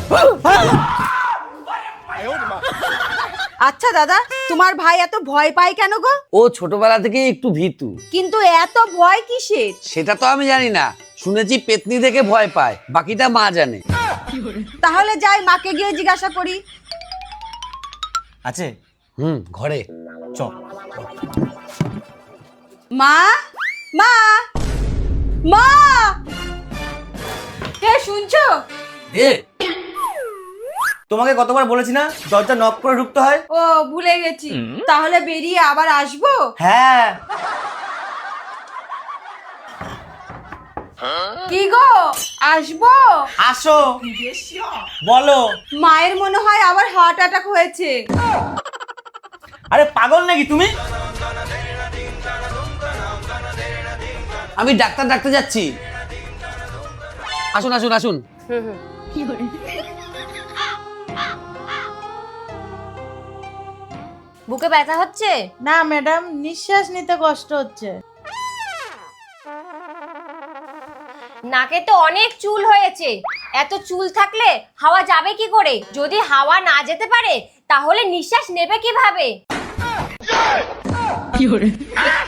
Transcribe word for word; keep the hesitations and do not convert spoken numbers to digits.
আচ্ছা দাদা, তোমার ভাই এত ভয় পায় কেন গো? ও ছোটবেলা থেকে একটু ভীতু। কিন্তু এত ভয় কিসের? সেটা তো আমি জানি না, শুনেছি পেতনি থেকে ভয় পায়, বাকিটা মা জানে। তাহলে যাই মাকে গিয়ে জিজ্ঞাসা করি। আছে? হুম, ঘরে। চ। মা, মা, মা, কে শুনছো? এ তোমাকে কতবার বলেছি না দরজা নক করে ঢুকতে হয়? ও ভুলে গেছি। তাহলে বেরিয়ে আবার আসবো? হ্যাঁ। কি গো, আসবো? আসো। বলো। মায়ের মনে হয় আবার হার্ট অ্যাটাক হয়েছে। আরে পাগল নাকি তুমি? আমি ডাক্তার ডাকতে যাচ্ছি। আসুন আসুন আসুন। বুকে ব্যথা হচ্ছে? না ম্যাডাম, নিঃশ্বাস নিতে কষ্ট হচ্ছে। নাকে তো অনেক চুল হয়েছে। এত চুল থাকলে হাওয়া যাবে কি করে? যদি হাওয়া না যেতে পারে তাহলে নিঃশ্বাস নেবে কিভাবে?